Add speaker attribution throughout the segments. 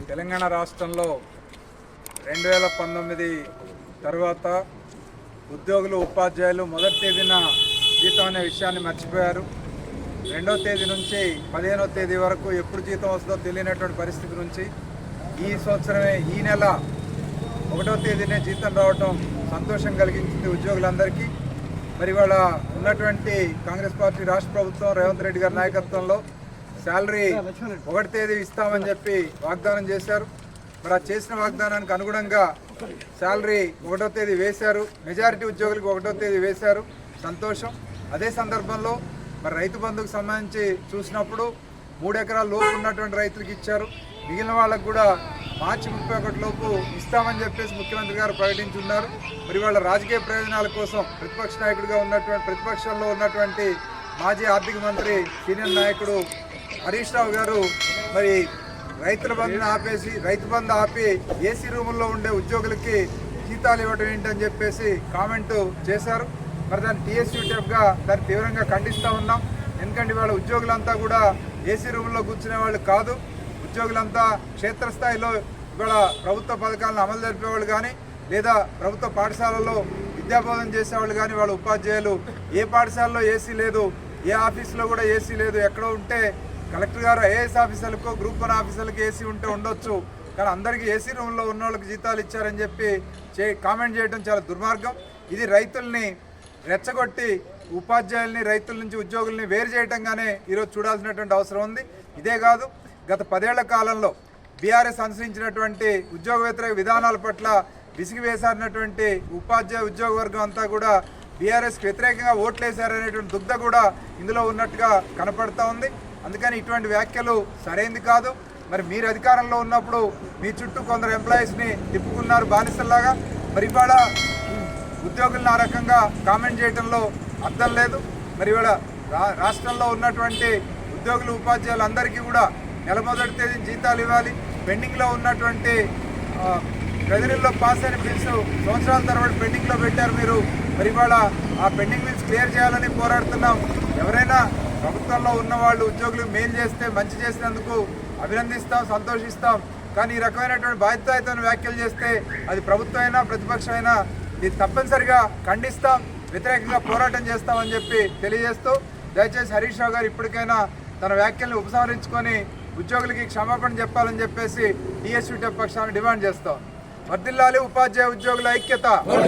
Speaker 1: తెలంగాణ రాష్ట్రంలో 2019 తర్వాత ఉద్యోగులు ఉపాధ్యాయులు మొదటి తేదీన జీతం అనే విషయాన్ని మర్చిపోయారు. 2వ తేదీ నుంచి 15వ తేదీ వరకు ఎప్పుడు జీతం వస్తుందో తెలియనటువంటి పరిస్థితి నుంచి ఈ సంవత్సరమే ఈ నెల 1వ తేదీనే జీతం రావటం సంతోషం కలిగించింది ఉద్యోగులందరికీ. మరి ఇవాళ ఉన్నటువంటి కాంగ్రెస్ పార్టీ రాష్ట్ర ప్రభుత్వం రేవంత్ రెడ్డి గారి నాయకత్వంలో శాలరీ 1వ తేదీ ఇస్తామని చెప్పి వాగ్దానం చేశారు. మరి ఆ చేసిన వాగ్దానానికి అనుగుణంగా శాలరీ 1వ తేదీ వేశారు. మెజారిటీ ఉద్యోగులకు 1వ తేదీ వేశారు, సంతోషం. అదే సందర్భంలో మరి రైతు బంధుకు సంబంధించి చూసినప్పుడు 3 ఎకరాల లోపు ఉన్నటువంటి రైతులకు ఇచ్చారు. మిగిలిన వాళ్ళకు కూడా మార్చి 31 లోపు ఇస్తామని చెప్పేసి ముఖ్యమంత్రి గారు ప్రకటించున్నారు. మరి వాళ్ళ రాజకీయ ప్రయోజనాల కోసం ప్రతిపక్ష నాయకుడిగా ఉన్నటువంటి ప్రతిపక్షంలో ఉన్నటువంటి మాజీ ఆర్థిక మంత్రి సీనియర్ నాయకుడు హరీష్ రావు గారు మరి రైతు బంధు ఆపి ఏసీ రూముల్లో ఉండే ఉద్యోగులకి జీతాలు ఇవ్వడం ఏంటని చెప్పేసి కామెంటు చేశారు. మరి దాన్ని టీఎస్యూటీఎఫ్గా దాన్ని తీవ్రంగా ఖండిస్తూ ఉన్నాం. ఎందుకంటే వాళ్ళ ఉద్యోగులంతా కూడా ఏసీ రూముల్లో కూర్చునే వాళ్ళు కాదు. ఉద్యోగులంతా క్షేత్రస్థాయిలో ఇవాళ ప్రభుత్వ పథకాలను అమలు జరిపేవాళ్ళు కానీ లేదా ప్రభుత్వ పాఠశాలల్లో విద్యాబోధన చేసేవాళ్ళు కానీ వాళ్ళ ఉపాధ్యాయులు. ఏ పాఠశాలలో ఏసీ లేదు, ఏ ఆఫీసులో కూడా ఏసీ లేదు. ఎక్కడో ఉంటే కలెక్టర్ గారు ఐఏఎస్ ఆఫీసర్లకు గ్రూప్ 1 ఆఫీసర్లకు ఏసీ ఉంటే ఉండొచ్చు, కానీ అందరికీ ఏసీ రూమ్లో ఉన్న వాళ్ళకి జీతాలు ఇచ్చారని చెప్పి కామెంట్ చేయడం చాలా దుర్మార్గం. ఇది రైతుల్ని రెచ్చగొట్టి ఉపాధ్యాయుల్ని రైతుల నుంచి ఉద్యోగుల్ని వేరు చేయడంగానే ఈరోజు చూడాల్సినటువంటి అవసరం ఉంది. ఇదే కాదు, గత 10 ఏళ్ల కాలంలో బీఆర్ఎస్ అనుసరించినటువంటి ఉద్యోగ వ్యతిరేక విధానాల పట్ల విసిగి వేసారినటువంటి ఉపాధ్యాయ ఉద్యోగ వర్గం అంతా కూడా బీఆర్ఎస్కి వ్యతిరేకంగా ఓట్లేశారనేటువంటి దుగ్ధ కూడా ఇందులో ఉన్నట్టుగా కనపడతా ఉంది. అందుకని ఇటువంటి వ్యాఖ్యలు సరైనది కాదు. మరి మీరు అధికారంలో ఉన్నప్పుడు మీ చుట్టూ కొందరు ఎంప్లాయీస్ని తిప్పుకున్నారు బానిసల్లాగా. మరి ఇవాళ ఉద్యోగులను ఆ రకంగా కామెంట్ చేయడంలో అర్థం లేదు. మరి ఇవాళ రాష్ట్రంలో ఉన్నటువంటి ఉద్యోగులు ఉపాధ్యాయులు అందరికీ కూడా నెల 1వ తేదీ జీతాలు ఇవ్వాలి. పెండింగ్లో ఉన్నటువంటి ట్రెజరీలో పాస్ అయిన బిల్స్ సంవత్సరాల తరబడి పెండింగ్లో పెట్టారు మీరు. మరి ఇవాళ ఆ పెండింగ్ బిల్స్ క్లియర్ చేయాలని పోరాడుతున్నాం. ఎవరైనా ప్రభుత్వంలో ఉన్న వాళ్ళు ఉద్యోగులు మేలు చేస్తే మంచి చేసినందుకు అభినందిస్తాం, సంతోషిస్తాం. కానీ ఈ రకమైనటువంటి బాధ్యతాయుతమైన వ్యాఖ్యలు చేస్తే అది ప్రభుత్వం అయినా ప్రతిపక్షం అయినా ఇది తప్పనిసరిగా ఖండిస్తాం, వ్యతిరేకంగా పోరాటం చేస్తామని చెప్పి తెలియజేస్తూ దయచేసి హరీష్ రావు గారు ఇప్పటికైనా తన వ్యాఖ్యల్ని ఉపసంహరించుకొని ఉద్యోగులకి క్షమాపణ చెప్పాలని చెప్పేసి టీఎస్యూటీఎఫ్ పక్షాన్ని డిమాండ్ చేస్తాం. వర్ధిల్లాలి ఉపాధ్యాయ ఉద్యోగుల ఐక్యత,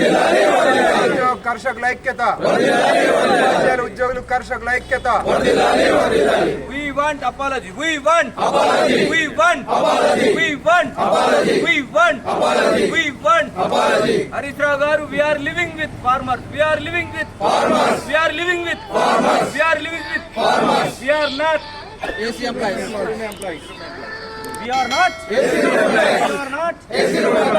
Speaker 1: కర్షకుల ఐక్యత, ఉపాధ్యాయుల ఉద్యోగులు కర్షకుల ఐక్యత.
Speaker 2: We want apology. We want apology. We want apology. We want apology. We want apology. We want apology. Harish Rao garu, we are living with farmers. We are living with farmers. We are living with farmers. We are living with farmers. We are not AC employees. We are not AC employees. We are not AC employees.